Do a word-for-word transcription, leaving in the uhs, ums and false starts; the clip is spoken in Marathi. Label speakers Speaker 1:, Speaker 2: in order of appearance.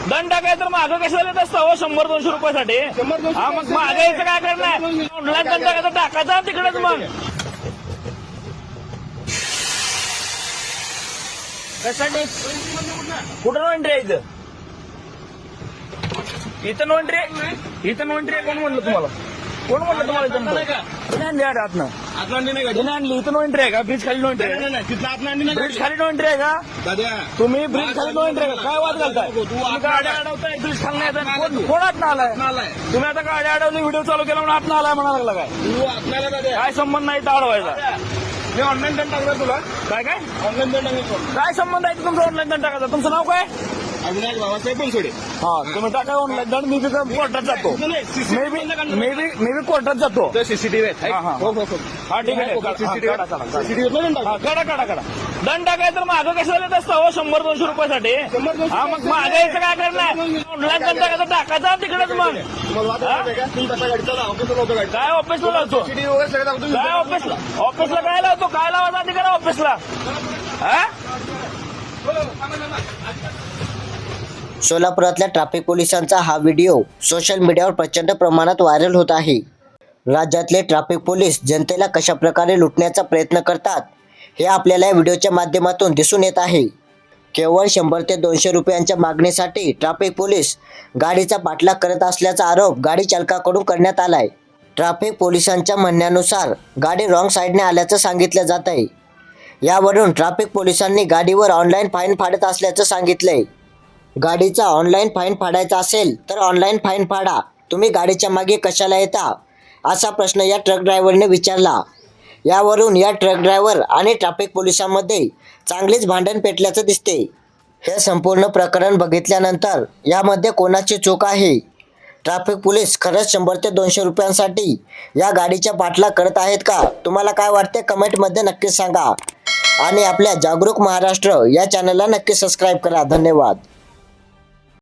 Speaker 1: दंड टाकायचं तर मागं कशाला देत असतं हो शंभर दोनशे रुपयासाठी? हा मग मागं यायचं काय करणार? ऑनलाईन दंड टाकायचं टाकायचा तिकडेच मग कशासाठी कुठं नो एंट्री आहे इथं? इथं नो एंट्री आहे? इथं नो एंट्री आहे कोण म्हणलं तुम्हाला? कोण म्हणलं तुम्हाला इथं? कोणी आणली आड आतनं? कोणी आणली? इथं नो एंट्री आहे का? ब्रिज खाली नो एंट्री आहे? ब्रिज खाली नो एंट्री आहे का? तुम्ही ब्रिज खाली नो एंट्री आहे का? काय वाद घालताय? तुम्ही गाड्या अडवताय ब्रिज खाली नाही येत. कोण कोण आत आलाय? तुम्ही आता गाड्या अडवली व्हिडिओ चालू केला म्हणून आत आलाय म्हणा लागला काय? काय संबंध नाही इथं अडवायचा?
Speaker 2: मी ऑनलाईन दंड टाकला तुला.
Speaker 1: काय काय
Speaker 2: ऑनलाईन दंड टाकला.
Speaker 1: काय संबंध आहे तुमचा ऑनलाईन दंड टाकायचा? तुमचं नाव काय?
Speaker 2: अविनाश बाबासाहेब बनसोडे.
Speaker 1: हा तुम्ही टाका ऑनलाईन दंड. मी बी कोर्टात जातो. May be may be may be कोर्टात जातो.
Speaker 2: सीसीटीव्ही आहेत.
Speaker 1: हा, हा.
Speaker 2: हो हो हो.
Speaker 1: हा ठीक आहे.
Speaker 2: सीसीटीव्ही
Speaker 1: काढा, काढा, काढा.
Speaker 2: सीसीटीव्ही दंड टाक.
Speaker 1: हा, काढा काढा काढा. दंड टाकायचं तर मागं कशाला देत असतं हो शंभर दोनशे रुपयासाठी? हा मग मागं यायचं काय करणार? ऑनलाईन दंड टाकायचं टाकायचा तिकडेच मग
Speaker 2: तुम्हाला वाद घालायचा का? तुम्ही कसा गाडी चालवा? ऑफिसला लावतो गाडी.
Speaker 1: काय ऑफिसला लावतो?
Speaker 2: सीसीटीव्ही वगैरे सगळं दाखवतो.
Speaker 1: काय ऑफिसला ऑफिसला काय लावतो? काय लावायचा तिकडे ऑफिसला? हा
Speaker 3: सोलापुरातल्या ट्रॅफिक पोलिसांचा हा व्हिडिओ सोशल मीडियावर प्रचंड प्रमाणात व्हायरल होत आहे. राज्यातले ट्रॅफिक पोलीस जनतेला कशा प्रकारे लुटण्याचा प्रयत्न करतात हे आपल्याला या व्हिडिओच्या माध्यमातून दिसून येत आहे. केवळ शंभर ते दोनशे रुपयांच्या मागणीसाठी ट्रॅफिक पोलीस गाडीचा पाठलाग करत असल्याचा आरोप गाडी चालकाकडून करण्यात आलाय. ट्रॅफिक पोलिसांच्या म्हणण्यानुसार गाडी रॉंग साईडने आल्याचं सांगितलं जात आहे. यावरून ट्रॅफिक पोलिसांनी गाडीवर ऑनलाईन फाईन फाडत असल्याचं सांगितलंय. गाडीचा ऑनलाईन फाईन फाडायचा असेल तर ऑनलाईन फाईन फाडा, तुम्ही गाडीच्या मागे कशाला येता, असा प्रश्न या ट्रक ड्रायव्हरने विचारला. यावरून या ट्रक ड्रायव्हर आणि ट्रॅफिक पोलिसांमध्ये चांगलीच भांडण पेटल्याचं दिसते. हे संपूर्ण प्रकरण बघितल्यानंतर यामध्ये कोणाची चूक आहे? ट्रॅफिक पोलीस खरंच शंभर ते दोनशे रुपयांसाठी या गाडीच्या पाठलाग करत आहेत का? तुम्हाला काय वाटते कमेंटमध्ये नक्कीच सांगा. आणि आपल्या जागरूक महाराष्ट्र या चॅनलला नक्की सबस्क्राईब करा. धन्यवाद.